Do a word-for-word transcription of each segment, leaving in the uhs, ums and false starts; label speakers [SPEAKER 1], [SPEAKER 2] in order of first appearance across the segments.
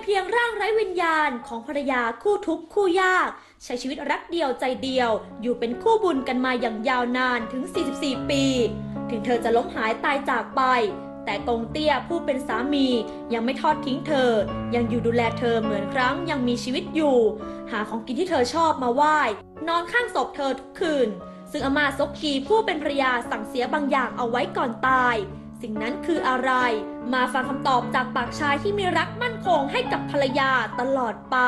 [SPEAKER 1] พียงร่างไร้วิญญาณของภรรยาคู่ทุกข์คู่ยากใช้ชีวิตรักเดียวใจเดียวอยู่เป็นคู่บุญกันมาอย่างยาวนานถึงสี่สิบสี่ปีถึงเธอจะล้มหายตายจากไปแต่กงเตี้ยผู้เป็นสามียังไม่ทอดทิ้งเธอยังอยู่ดูแลเธอเหมือนครั้งยังมีชีวิตอยู่หาของกินที่เธอชอบมาไหว้นอนข้างศพเธอทุกคืนซึ่งอาม่าซกกีผู้เป็นภรรยาสั่งเสียบางอย่างเอาไว้ก่อนตายสิ่งนั้นคืออะไรมาฟังคำตอบจากปากชายที่มีรักมั่นคงให้กับภรรยาตลอดไป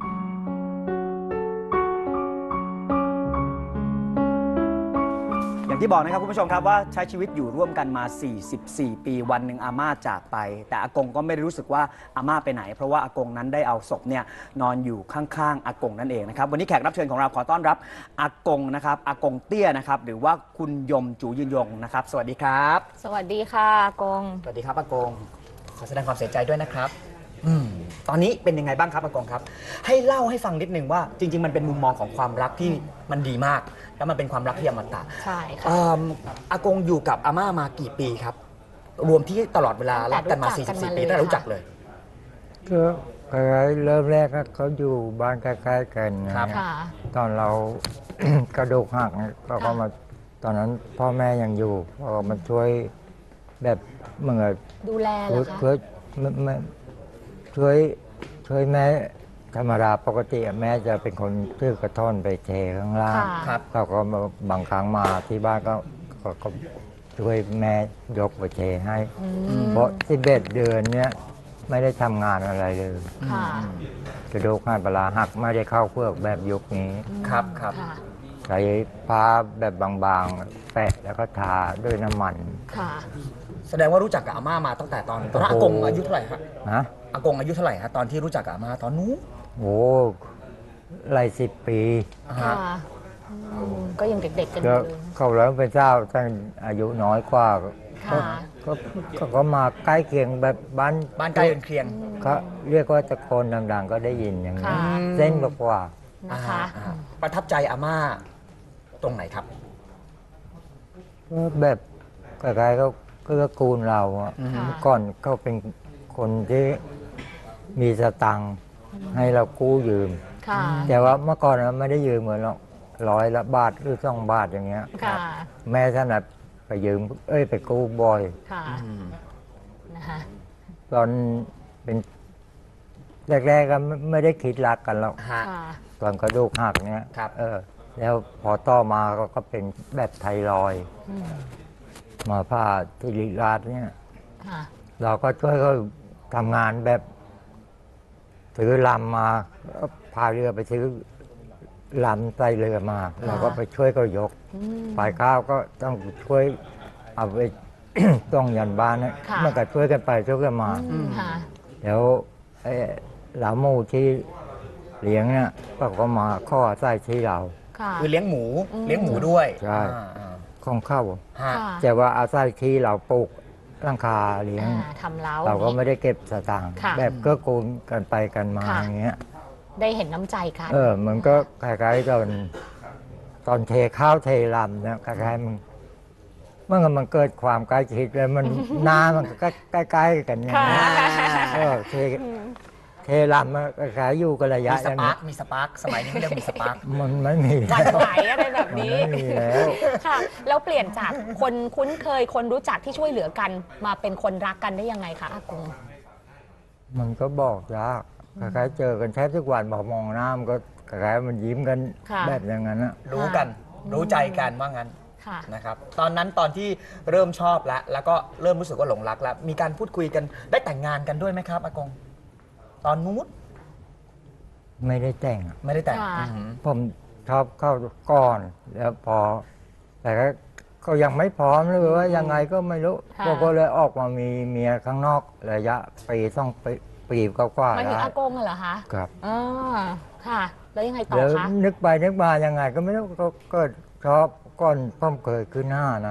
[SPEAKER 2] อย่างที่บอกนะครับคุณผู้ชมครับว่าใช้ชีวิตอยู่ร่วมกันมาสี่สิบสี่ปีวันหนึ่งอาม่าจากไปแต่อากงก็ไม่ได้รู้สึกว่าอาม่าไปไหนเพราะว่าอากงนั้นได้เอาศพเนี่ยนอนอยู่ข้างๆอากงนั่นเองนะครับวันนี้แขกรับเชิญของเราขอต้อนรับอากงนะครับอากงเตี้ยนะครับหรือว่าคุณยมจูยืนยงนะครับสวัสดีครับ
[SPEAKER 3] สวัสดีค่ะอากง
[SPEAKER 2] สวัสดีครับอากงขอแสดงความเสียใจด้วยนะครับอืมตอนนี้เป็นยังไงบ้างครับอากงครับให้เล่าให้ฟังนิดนึงว่าจริงๆมันเป็นมุมมองของความรักที่มันดีมากแล้วมันเป็นความรักที่อมตะ
[SPEAKER 3] ใช่ค่ะ
[SPEAKER 2] อากงอยู่กับอาม่ามากี่ปีครับรวมที่ตลอดเวลารักกันมาสี่สิบสี่ปีตั้งแต่รู้จักเลย
[SPEAKER 4] ก็เริ่มแรกเขาอยู่บ้านใกล้ๆกันครับตอนเรา กระดูกหักเราก็มาตอนนั้นพ่อแม่ยังอยู่ก็มาช่วยแบบเหมือน
[SPEAKER 3] ดูแลเหรอคะ
[SPEAKER 4] เพื่อช่วยช่วยแม่ธรรมดาปกติแม่จะเป็นคนซื้อกระท่อนไปเทข้างล่างเขาก็บางครั้งมาที่บ้านก็ก็ช่วยแม่ยกไปเทให้เพราะสิบเอ็ดเดือนเนี้ยไม่ได้ทำงานอะไรเลยกระดูกหักปลาหักไม่ได้เข้าเพือกแบบยุคนี้
[SPEAKER 2] ครับครับ
[SPEAKER 4] ใช้ผ้าแบบบางๆแปะแล้วก็ทาด้วยน้ำมัน
[SPEAKER 3] ค่ะ
[SPEAKER 2] แสดงว่ารู้จักกับอาม่ามาตั้งแต่ตอนตอนอากงอายุเท่าไหร่ครับ
[SPEAKER 4] ฮะ
[SPEAKER 2] อากงอายุเท่าไหร่ฮะตอนที่รู้จักกับอาม่าตอนนู้น
[SPEAKER 4] โอ้หลายสิบปี
[SPEAKER 3] ค่ะก็ยังเด็กๆกันอยู่เลย
[SPEAKER 4] เขาแล้วเป็นเจ้าตั้งอายุน้อยกว่าก็ก็มาใกล้เคียงแบบบ้าน
[SPEAKER 2] บ้านใกล้เคียง
[SPEAKER 4] ก็เรียกว่าตะโกนดังๆก็ได้ยินอย่างนี้เส้นกว่า
[SPEAKER 3] นะคะ
[SPEAKER 2] ประทับใจอาม่าตรงไหนครับ
[SPEAKER 4] ก็แบบคล้ายๆก็ก็กูลเราอ่ะก่อนเขาเป็นคนที่มีสตังค์ให้เรากู้ยืมแต่ว่าเมื่อก่อนเราไม่ได้ยืมเหมือนหรอกร้อยละบาทหรือสองบาทอย่างเงี้ยแม่ท่านน่ะไปยืมเอ้ยไปกู้บ่อย
[SPEAKER 3] นะคะ
[SPEAKER 4] ตอนเป็นแรกๆก็ไม่ได้คิดรักกันหรอกตอนกระดูกหักเนี้ยเออแล้วพอต่อมาก็เป็นแบบไทรอยมาผ่าที่ริราชเนี่ยเราก็ช่วยเขาทำงานแบบถือลำมาพายเรือไปซื้อลำใส่เรือมาเราก็ไปช่วยเขายกฝ่ายข้าวก็ต้องช่วยเอาไป ต้องยันบ้านนะมันก็ช่วยกันไปช่วยกันมาแล้วไอ้หลาหมูที่เลี้ยงเนี่ยก็มาข้อใส่ที่เรา
[SPEAKER 2] คือเลี้ยงหมูเลี้ยงหมูด้วย
[SPEAKER 4] ใช่ของเข้าแต่ว่าอาศัยที่เราปลูกร่างคาเลี้ยง
[SPEAKER 3] ทำเล้า
[SPEAKER 4] เราก็ไม่ได้เก็บสตางค์แบบก็กูลกันไปกันมาอย่างเงี้ย
[SPEAKER 3] ได้เห็นน้ำใจกัน
[SPEAKER 4] เออมันก็คล้ายๆตอนตอนเทข้าวเทลำเนี่ยคล้ายๆมันเมื่อมันเกิดความใกล้ชิดแล้วมันน้ำมันใกล้ๆกันเนี่ยเออเทเทลำมันคล้ายๆอยู่กันระยะ
[SPEAKER 2] มีสปาร์กมีสปาร์กสมัยนี้ไม่เรียกมีสปาร์ก
[SPEAKER 4] มันไม่มี
[SPEAKER 3] วันไหวอะไรแบบนี้
[SPEAKER 4] ไม่มีแล้ว
[SPEAKER 3] ค่ะแล้วเปลี่ยนจากคนคุ้นเคยคนรู้จักที่ช่วยเหลือกันมาเป็นคนรักกันได้ยังไงคะอากง
[SPEAKER 4] มันก็บอกยากคล้ายๆเจอกันแทบทุกวันบอกมองหน้ามันก็คล้ายๆมันยิ้มกันแบบอย่างนั้นนะ
[SPEAKER 2] รู้กันรู้ใจกันว่างั้นนะครับตอนนั้นตอนที่เริ่มชอบแล้วแล้วก็เริ่มรู้สึกว่าหลงรักแล้วมีการพูดคุยกันได้แต่งงานกันด้วยไหมครับอากงตอนนู้น
[SPEAKER 4] ไม่ได้แต่ง
[SPEAKER 2] ไม่ได้แต่ง
[SPEAKER 4] ผมชอบเข้าก่อนแล้วพอแต่ก็ก็ยังไม่พร้อมเลยว่ายังไงก็ไม่รู้ก็เลยออกมามีเมียข้างนอกระยะปีต้องปีปีกว่า
[SPEAKER 3] ๆหมายถึงอากงเหรอคะ
[SPEAKER 4] ครับ
[SPEAKER 3] อ๋อค่ะแล้วยังไงต่อคะ
[SPEAKER 4] นึกไปนึกมายังไงก็ไม่รู้ก็เกิดชอบก่อนพ่อเคยขึ้นหน้านะ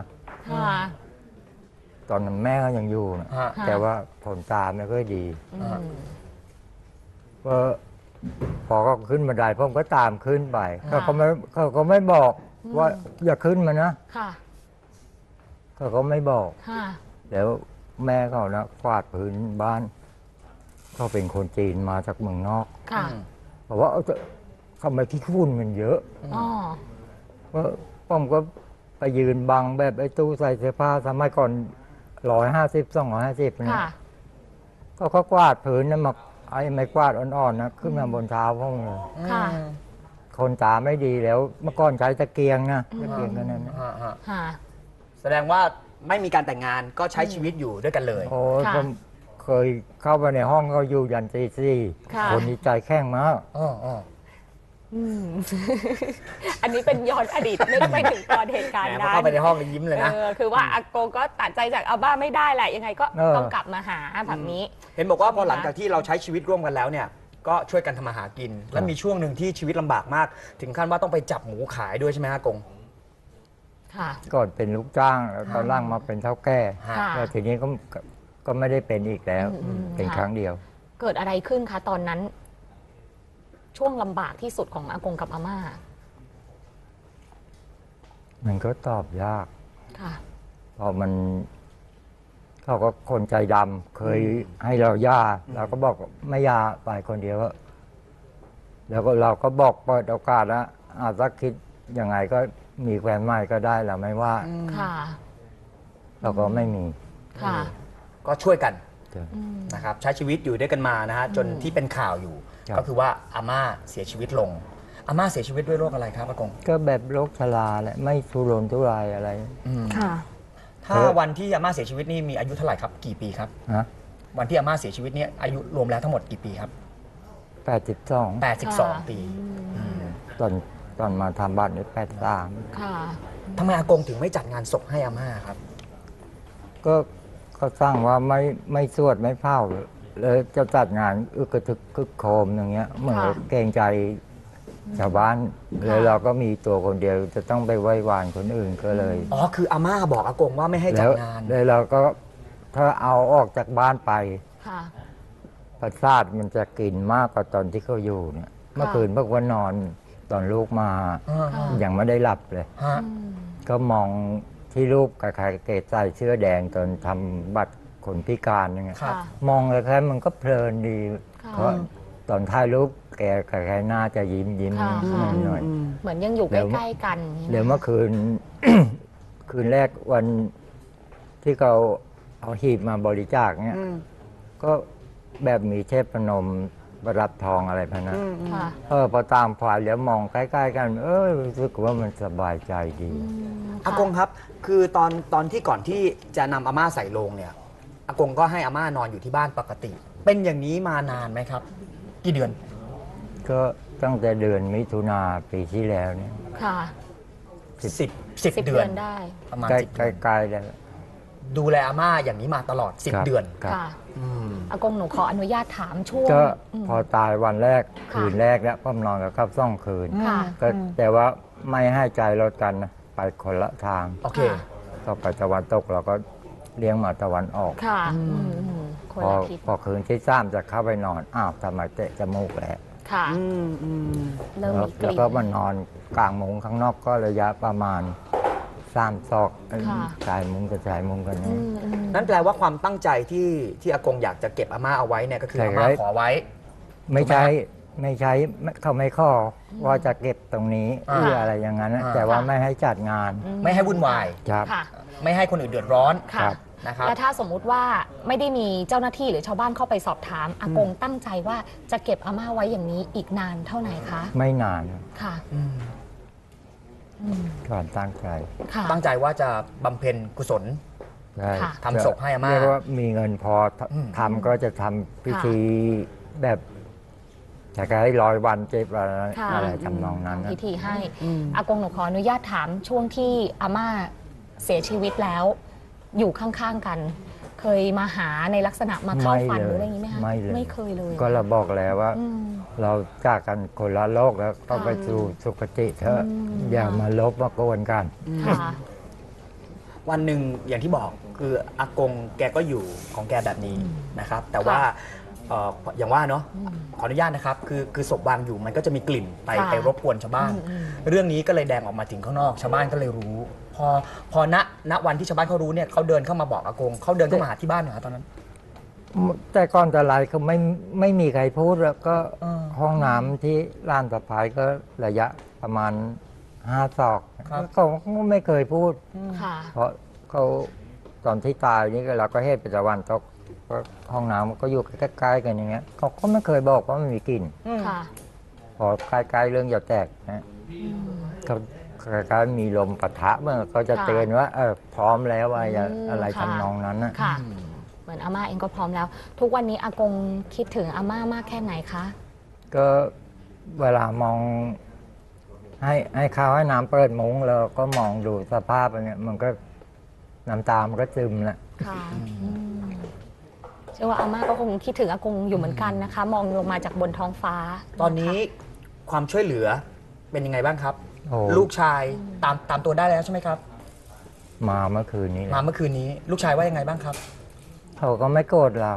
[SPEAKER 4] ตอนนั้นแม่ก็ยังอยู่นะแต่ว่าผลตาไม่ค่อยดีก็พอก็ขึ้นบันไดพ่อก็ตามขึ้นไปเขาก็ไม่เขาก็ไม่บอกว่าอย่าขึ้นมานะเขาก็ไม่บอกแล้วแม่เขานะกวาดพื้นบ้านเขาเป็นคนจีนมาจากเมืองนอก
[SPEAKER 3] ค่ะ
[SPEAKER 4] บอกว่าเอาเถอะทำไมขี้ฝุ่นมันเยอะ
[SPEAKER 3] อ๋อ
[SPEAKER 4] ก็ผมก็ไปยืนบังแบบไอ้ตู้ใส่เสื้อผ้าสมัยก่อนร้อยห้าสิบสองร้อยห้าสิบเนี่ย
[SPEAKER 3] ค่ะ
[SPEAKER 4] ก็เขากวาดพื้นนะมาไอ้ไม้กวาดอ่อนๆนะขึ้นมาบนเท้าผมเลย
[SPEAKER 3] ค่ะ
[SPEAKER 4] คนตาไม่ดีแล้วเมื่อก่อนใช้ตะเกียงนะตะเกียงกันนั้นนะ
[SPEAKER 2] ฮะฮะ
[SPEAKER 3] ค่ะ
[SPEAKER 2] แสดงว่าไม่มีการแต่งงานก็ใช้ชีวิตอยู่ด้วยกันเลย
[SPEAKER 4] โอ้ย
[SPEAKER 3] ค่ะ
[SPEAKER 4] ผมเคยเข้าไปในห้องเขาอยู่ยันตีสี่
[SPEAKER 3] ค่ะ
[SPEAKER 4] คนนี้ใจแข็งมาก
[SPEAKER 2] อ๋ออ๋อ
[SPEAKER 3] อืม อันนี้เป็นย้อนอดีตนึกไปถึงตอนเหตุการณ์
[SPEAKER 2] แหมพอ
[SPEAKER 3] นั้น
[SPEAKER 2] เข้าไปในห้องแล้วยิ้มเลยนะ
[SPEAKER 3] เออคือว่าอาโกก็ตัดใจจากอาบ้าไม่ได้แหละยังไงก็
[SPEAKER 4] เออ
[SPEAKER 3] ต้องกลับมาหาแบบนี้
[SPEAKER 2] เห็นบอกว่าพอหลังจากที่เราใช้ชีวิตร่วมกันแล้วเนี่ยก็ช่วยกันทำมาหากิน และมีช่วงหนึ่งที่ชีวิตลำบากมาก ถึงขั้นว่าต้องไปจับหมูขายด้วยใช่ไหมฮะกง
[SPEAKER 3] ค่ะ
[SPEAKER 4] ก่อนเป็นลูกจ้างแล้วตอนล่างมาเป็นเท่าแก่
[SPEAKER 2] ฮะ
[SPEAKER 3] ค่ะ
[SPEAKER 4] แล้วทีนี้ก็ก็ก็ไม่ได้เป็นอีกแล้ว
[SPEAKER 3] อืม
[SPEAKER 4] เป็น
[SPEAKER 3] ค่ะ
[SPEAKER 4] ครั้งเดียว
[SPEAKER 3] เกิดอะไรขึ้นคะตอนนั้น ช่วงลำบากที่สุดของอากงกับอาม่า
[SPEAKER 4] มันก็ตอบยาก
[SPEAKER 3] ค่ะ
[SPEAKER 4] เพราะมันเขาก็คนใจดำเคยให้เราย่าเราก็บอกไม่ย่าไปคนเดียวอะแล้วก็เราก็บอกเปิดโอกาสนะอาจจะคิดยังไงก็มีแฟนใหม่ก็ได้เราไม่ว่า
[SPEAKER 3] ค่ะ
[SPEAKER 4] เราก็ไม่มี
[SPEAKER 3] ค่ะ
[SPEAKER 2] ก็ช่วยกัน
[SPEAKER 4] จ้ะ
[SPEAKER 3] อืม
[SPEAKER 2] นะครับใช้ชีวิตอยู่ด้วยกันมานะฮะจนที่เป็นข่าวอยู่
[SPEAKER 4] ครับ
[SPEAKER 2] ก็คือว่าอาม่าเสียชีวิตลงอาม่าเสียชีวิตด้วยโรคอะไรครับอากง
[SPEAKER 4] ก็แบบโรคชราแหละไม่ทุรนทุรายอะไร
[SPEAKER 3] ค่ะ
[SPEAKER 2] ถ้าวันที่อาม่าเสียชีวิตนี่มีอายุเท่าไหร่ครับกี่ปีครับ
[SPEAKER 4] นะ
[SPEAKER 2] วันที่อาม่าเสียชีวิตเนี่ยอายุรวมแล้วทั้งหมดกี่ปีครับ
[SPEAKER 4] แปดสิบสอง
[SPEAKER 2] แปดสิบสอง
[SPEAKER 3] ค่ะ
[SPEAKER 2] ปีอืม
[SPEAKER 4] ตอนตอนมาทำบ้านนี่แปดสาม
[SPEAKER 3] ค่ะ
[SPEAKER 2] ทำไมอากงถึงไม่จัดงานศพให้อาม่าครับ
[SPEAKER 4] ก็ก็สร้างว่าไม่ไม่สวดไม่เผาเลยจะจัดงานอึกกระทึกคึกโครมอย่างเงี้ยเหมือนกับเกรงใจชาวบ้านเลยเราก็มีตัวคนเดียวจะต้องไปไหว้วานคนอื่นก็เลย
[SPEAKER 2] อ๋อคืออาม่าบอกอากงว่าไม่ให้จั
[SPEAKER 4] แล้
[SPEAKER 2] ด
[SPEAKER 4] ว
[SPEAKER 2] งาน
[SPEAKER 4] เลยเราก็ถ้าเอาออกจากบ้านไป
[SPEAKER 3] ค่ะ
[SPEAKER 4] ประสาทมันจะกินมากกว่าตอนที่เขาอยู่เนี่ยเมื่อคืนเมื่อวันนอนตอนลูกมา
[SPEAKER 2] อ่า
[SPEAKER 3] ค่ะ
[SPEAKER 4] ยังไม่ได้หลับเลย
[SPEAKER 2] ฮะ
[SPEAKER 3] อืม
[SPEAKER 4] ก็มองที่รูปกับใครเกตใส่เสื้อแดงตอนทำบัตรคนพิการอย่างเงี้ย
[SPEAKER 2] ครับ
[SPEAKER 3] ค่ะ
[SPEAKER 4] มองแล้วแค่มันก็เพลินดี
[SPEAKER 3] ค่ะ
[SPEAKER 4] เพราะตอนถ่ายรูปแกกับใครหน้าจะยิ้มยิ้ม
[SPEAKER 3] ค่ะ
[SPEAKER 4] หน่อย
[SPEAKER 3] เหมือนยังอยู่ใก
[SPEAKER 4] เดี๋ยว
[SPEAKER 3] ล้ๆกันอย่างนี้
[SPEAKER 4] ๆเดี๋ยวเมื่อคืน คืนแรกวันที่เขาเอาหีบมาบริจาคเนี่ยก็แบบมีเทพนมประดับทองอะไรพวกนั้น
[SPEAKER 3] ค่ะ
[SPEAKER 4] เออพอตามฝ่ายแล้วมองใกล้ๆกัน เออรู้สึกว่ามันสบายใจดี
[SPEAKER 2] อากงครับ คือตอนตอนที่ก่อนที่จะนำอาม่าใส่โลงเนี่ยอากงก็ให้อาม่านอนอยู่ที่บ้านปกติ เป็นอย่างนี้มานานไหมครับ กี่เดือน
[SPEAKER 4] ก็ตั้งแต่เดือนมิถุนาปีที่แล้วเนี่ย
[SPEAKER 3] ค่ะ
[SPEAKER 2] สิบสิบ
[SPEAKER 3] สิบ
[SPEAKER 2] เดื
[SPEAKER 3] เดื
[SPEAKER 2] อ
[SPEAKER 3] อน นได้
[SPEAKER 2] ประมาณ
[SPEAKER 4] ใกล้
[SPEAKER 2] สิบเดือน
[SPEAKER 4] ใกล้ๆแล้ว
[SPEAKER 2] ดูแลอาม่าอย่างนี้มาตลอดสิบ
[SPEAKER 4] ครับ
[SPEAKER 2] เดือน
[SPEAKER 4] ครับ
[SPEAKER 3] ค่ะ
[SPEAKER 2] อืม
[SPEAKER 3] อากงหนูขออนุญาตถามช่วง
[SPEAKER 4] ก็
[SPEAKER 3] อืม
[SPEAKER 4] พอตายวันแรก
[SPEAKER 3] ค่ะ
[SPEAKER 4] คืนแรกแล้วพ่อมนอนกับข้าวซ่องคืน
[SPEAKER 3] ค่ะ
[SPEAKER 4] ก็แต่ว่าไม่ให้ใจลดกันนะไปคนละทาง
[SPEAKER 2] โอเค
[SPEAKER 3] ค่ะ
[SPEAKER 4] ก็ไปตะวันตกเราก็เลี้ยงมาตะวันออก
[SPEAKER 3] ค่ะอืมอืมคน
[SPEAKER 4] พอ
[SPEAKER 3] ละทิศ
[SPEAKER 4] พอคืนที่สามจะเข้าไปนอนอ้าวทำไมเตะจมูกแล้ว
[SPEAKER 3] ค่ะ
[SPEAKER 2] อืมอืม
[SPEAKER 3] เริ่ม
[SPEAKER 4] แล้ว
[SPEAKER 3] มีก
[SPEAKER 4] แล้ว
[SPEAKER 3] ลิ่น
[SPEAKER 4] ก็มานอนกลางมุ้งข้างนอกก็ระยะประมาณสามศอก
[SPEAKER 3] ค่ะ
[SPEAKER 4] ชายมุ้งกับชายมุ้งกัน
[SPEAKER 3] อื
[SPEAKER 4] นี่
[SPEAKER 3] มอืม
[SPEAKER 2] นั่นแปลว่าความตั้งใจที่ที่อากงอยากจะเก็บอาม่าเอาไว้เนี่ยก็คือ
[SPEAKER 4] ใช่
[SPEAKER 2] อา
[SPEAKER 4] ครั
[SPEAKER 2] ม่า
[SPEAKER 4] บ
[SPEAKER 2] ขอไว้
[SPEAKER 4] ไม่ใช่ไม่ใช่ไม่เขาไม่ข้อว่าจะเก็บตรงนี้
[SPEAKER 2] อ่า
[SPEAKER 4] เพื่ออะไรอย่างนั้นนะ
[SPEAKER 2] อ่า
[SPEAKER 4] แต่ว่า
[SPEAKER 3] ค่ะ
[SPEAKER 4] ไม่ให้จัดงาน
[SPEAKER 3] อื
[SPEAKER 2] ไม่ให้วุ่นวาย
[SPEAKER 4] ครับ
[SPEAKER 3] ค่ะ
[SPEAKER 2] ไม่ให้คนอื่นเดือดร้อน
[SPEAKER 3] ค่ะ
[SPEAKER 4] ครับ
[SPEAKER 2] นะครับ
[SPEAKER 3] และถ้าสมมุติว่าไม่ได้มีเจ้าหน้าที่หรือชาวบ้านเข้าไปสอบถาม อากงตั้งใจว่าจะเก็บอาม่าไว้อย่างนี้อีกนานเท่าไหร่คะ
[SPEAKER 4] ไม่นาน
[SPEAKER 3] ค่ะ
[SPEAKER 2] อืม
[SPEAKER 3] อืม
[SPEAKER 4] ก่อนตั้งใจ
[SPEAKER 3] ค่ะ
[SPEAKER 2] ตั้งใจว่าจะบำเพ็ญกุศล
[SPEAKER 4] ใช่
[SPEAKER 3] ค่ะ
[SPEAKER 2] ทำศพให้อาม่า
[SPEAKER 4] เรียกว่ามีเงินพอท
[SPEAKER 2] อืม
[SPEAKER 4] ทำก็จะทำพิธีแบบจะให้ร้อยวันเจ็บอะไร
[SPEAKER 3] ค่ะ
[SPEAKER 4] อะไรทำนองนั้น
[SPEAKER 3] ทำ
[SPEAKER 4] นะ
[SPEAKER 3] พิธีให้ อากงหนูขออนุญาตถามช่วงที่อาม่าเสียชีวิตแล้ว อยู่ข้างๆกัน เคยมาหาในลักษณะมาเข้าฝันหรืออะไรอย่างนี้ไหมคะ
[SPEAKER 4] ไม่เลย
[SPEAKER 3] ไม่เคยเลย
[SPEAKER 4] ก็เราบอกแล้วว่า
[SPEAKER 3] อืม
[SPEAKER 4] เราจากกันคนละโลกแล้วก็
[SPEAKER 3] ค่ะ
[SPEAKER 4] ไปสู่สุคติเถอะ
[SPEAKER 3] อืม
[SPEAKER 4] อย่ามาลบมาโกวนกัน
[SPEAKER 3] ค่ะ
[SPEAKER 2] วันหนึ่งอย่างที่บอกคืออากงแกก็อยู่ของแกแบบนี้นะครับ แต่ว่าเอ่ออย่างว่าเนาะขออนุญาตนะครับ คือคือศพวางอยู่มันก็จะมีกลิ่นไป
[SPEAKER 3] ค่ะ
[SPEAKER 2] ไปรบกวนชาวบ้าน
[SPEAKER 3] อืมอืม
[SPEAKER 2] เรื่องนี้ก็เลยแดงออกมาถึงข้างนอก ชาวบ้านก็เลยรู้ พอพอณณวันที่ชาวบ้านเขารู้เนี่ยเขาเดินเข้ามาบอกอากงเขาเดินเข้ามาหาที่บ้านเหรอตอนนั้น
[SPEAKER 4] แต่ก่อนแต่ไรก็ไม่ไม่มีใครพูดแล้วก็
[SPEAKER 5] เออ
[SPEAKER 4] ห้องน้ำที่ร้านสะพายก็ระยะประมาณห้าศอก
[SPEAKER 5] ครับ
[SPEAKER 4] เขาก็ไม่เคยพูด
[SPEAKER 3] ค่ะ
[SPEAKER 4] เพราะเขาตอนที่ตายนี่ก็เราก็เฮ็ดเป็นตะวันตกก็ห้องน้ำก็อยู่ใกล้ๆกันอย่างเงี้ยเขาก็ไม่เคยบอกว่ามันมีกลิ่น
[SPEAKER 3] ค่ะ
[SPEAKER 4] พอใกล้ๆเรื่องจะแตกนะเขาใกล้ๆมีลมปะทะเมื่อเขาจะ
[SPEAKER 3] ค่ะ
[SPEAKER 4] เตือนว่าเออพร้อมแล้วอะไรอย่า
[SPEAKER 3] อืม
[SPEAKER 4] อะไร
[SPEAKER 3] ค่ะ
[SPEAKER 4] ทำนองนั้นนะ
[SPEAKER 3] ค่ะ เหมือนอาม่าเองก็พร้อมแล้ว ทุกวันนี้อากงคิดถึงอาม่ามากแค่ไหนคะ
[SPEAKER 4] ก็เวลามอง ให้ให้ข้าวให้น้ำเปิดมุ้งแล้วก็มองดูสภาพอย่างเงี้ยมันก็น้ำตามันก็ซึมแหละ
[SPEAKER 3] ค่ะอืมเชื่อว่าอาม่าก็คงคิดถึงอากงอยู่เหมือนกันนะคะ มองลงมาจากบนท้องฟ้า
[SPEAKER 5] ตอนนี้ความช่วยเหลือเป็นยังไงบ้างครับ
[SPEAKER 4] โอ้
[SPEAKER 5] ลูกชายตามตามตัวได้แล้วใช่ไหมครับ
[SPEAKER 4] มาเมื่อคืนนี้แหละ
[SPEAKER 5] มาเมื่อคืนนี้ลูกชายว่ายังไงบ้างครับ
[SPEAKER 4] เขาก็ไม่โกรธเรา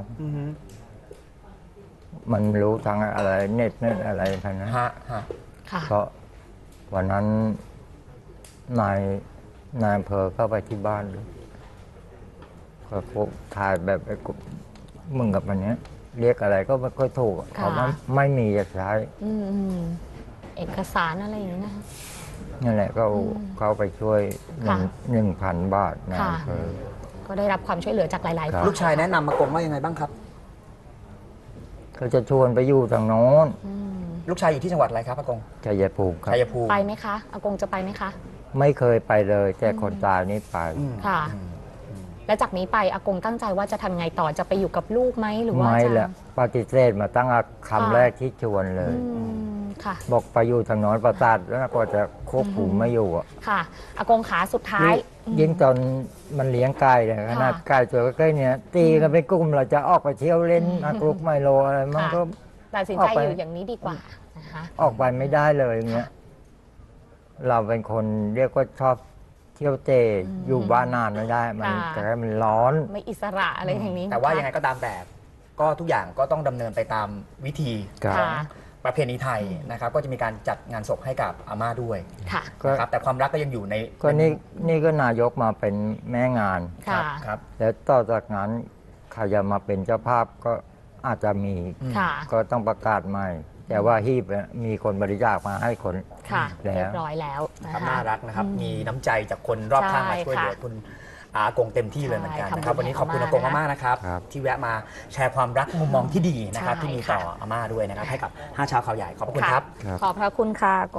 [SPEAKER 4] มันรู้ทางอะไรเน็ตเน็ตอะไรพันนะ
[SPEAKER 5] ฮะฮะ
[SPEAKER 3] ค่ะ
[SPEAKER 4] เพราะวันนั้นนายนายอำเภอเข้าไปที่บ้านเลยก็พบถ่ายแบบไอ้กุมึงกับมันเนี้ย เรียกอะไรก็ไม่ค่อยถูกเขาไม่ไม่มีจะใช้
[SPEAKER 3] อืมอืมเอกสารอะไรอย่างนี้นะคะ
[SPEAKER 4] นั่นแหละก็เข้าไปช่วยหนึ่ง
[SPEAKER 3] ค่ะ
[SPEAKER 4] หนึ่งพันบาทนาย
[SPEAKER 3] ค่ะ
[SPEAKER 4] อำเภอ
[SPEAKER 3] ก็ได้รับความช่วยเหลือจากหลายๆ
[SPEAKER 4] ครั
[SPEAKER 3] ฝ่า
[SPEAKER 4] บ
[SPEAKER 5] ลูกชายแนะนำมากงว่ายังไงบ้างครับ
[SPEAKER 4] ก็จะชวนไปอยู่ทางโน้น
[SPEAKER 3] อืม
[SPEAKER 5] ลูกชายอยู่ที่จังหวัดอะไรครับอากง
[SPEAKER 4] ชัยภูมิครับ
[SPEAKER 5] ชัยภูมิ
[SPEAKER 3] ไปไหมคะ อากงจะไปไหมคะ
[SPEAKER 4] ไม่เคยไปเลย แต่คนตายนี่ไป
[SPEAKER 5] อืม
[SPEAKER 3] ค่ะ
[SPEAKER 5] อืม
[SPEAKER 3] แล้วจากนี้ไปอากงตั้งใจว่าจะทำไงต่อจะไปอยู่กับลูกไหมหรือว่า
[SPEAKER 4] ไม่
[SPEAKER 3] จะ
[SPEAKER 4] ละปฏิเสธมาตั้งแต่คำ
[SPEAKER 3] ค่ะ
[SPEAKER 4] แรกที่ชวนเลย
[SPEAKER 3] อืมค่ะ
[SPEAKER 4] บอกไปอยู่ทางโน้นประสาทแล้วก็จะควบคุมไม่อยู่อะ
[SPEAKER 3] ค่ะ อากงขาสุดท้าย
[SPEAKER 4] ยิ่งตอนมันเลี้ยงไก่เนี่ยขนาดไก่ตัวใกล้ๆเนี่ยตีกันเป็นกลุ่มเราจะออกไปเที่ยวเล่นมากรุกไมโลอะไรมันก็
[SPEAKER 3] ตัดสิน
[SPEAKER 4] ออ
[SPEAKER 3] ใจ
[SPEAKER 4] กไป
[SPEAKER 3] อยู่อย่างนี้ดีกว่านะคะ
[SPEAKER 4] ออกไปไม่ได้เลยอย่างเงี้ยเราเป็นคนเรียกว่าชอบเที่ยวเตะอยู่บ้านนานไม่ได้ มันแต่มันร้อน
[SPEAKER 3] ไม่อิสระอะไรอย่างนี้
[SPEAKER 5] แต่ว่า
[SPEAKER 3] นะคะ
[SPEAKER 5] ยังไงก็ตามแต่ก็ทุกอย่างก็ต้องดำเนินไปตามวิธี
[SPEAKER 4] ครับ
[SPEAKER 5] ของ
[SPEAKER 3] ค่ะ
[SPEAKER 5] ประเพณีไทยนะครับ ก็จะมีการจัดงานศพให้กับอาม่าด้วย
[SPEAKER 3] ค่ะ
[SPEAKER 4] ก็
[SPEAKER 5] นะครับแต่ความรักก็ยังอยู่ใน
[SPEAKER 4] ก็นี่นี่ก็นายกมาเป็นแม่งาน
[SPEAKER 5] ครั
[SPEAKER 3] ค่ะ
[SPEAKER 5] บครับ
[SPEAKER 4] แล้วต่อจากนั้นใครจะมาเป็นเจ้าภาพก็อาจจะมี
[SPEAKER 3] ค่ะ
[SPEAKER 4] ก็ต้องประกาศใหม่ แต่ว่าฮีบเนี่ยมีคนบริจาคมาให้คน
[SPEAKER 3] ค่ะ
[SPEAKER 4] แล้ว
[SPEAKER 3] เรียบร้อยแล้วนะ
[SPEAKER 5] ครับ
[SPEAKER 3] คะ
[SPEAKER 5] น่ารักนะครับ มีน้ำใจจากคนรอบข้างมา
[SPEAKER 3] ใช่
[SPEAKER 5] ช่วยเหลือ
[SPEAKER 3] ค่ะ
[SPEAKER 5] คุณอากงเต็มที่เลยเหมือนกัน
[SPEAKER 3] ใช่
[SPEAKER 5] นะครับ
[SPEAKER 3] ทำบุญ
[SPEAKER 5] วันนี้ขอบคุณ
[SPEAKER 3] ให้
[SPEAKER 5] อา
[SPEAKER 3] อาก ม่าง
[SPEAKER 5] มากๆนะครับ
[SPEAKER 4] ครับ
[SPEAKER 5] ที่แวะมาแชร์ความรักมุมมองที่ดีนะครับ
[SPEAKER 3] ใช่
[SPEAKER 5] ที่มีต่อ
[SPEAKER 3] ค่ะ
[SPEAKER 5] อาม่าด้วยนะครับ ให้กับห้าชาวข่าวใหญ่ขอบพระคุณครับ
[SPEAKER 4] ครับ
[SPEAKER 3] ขอบพระคุณค่ะ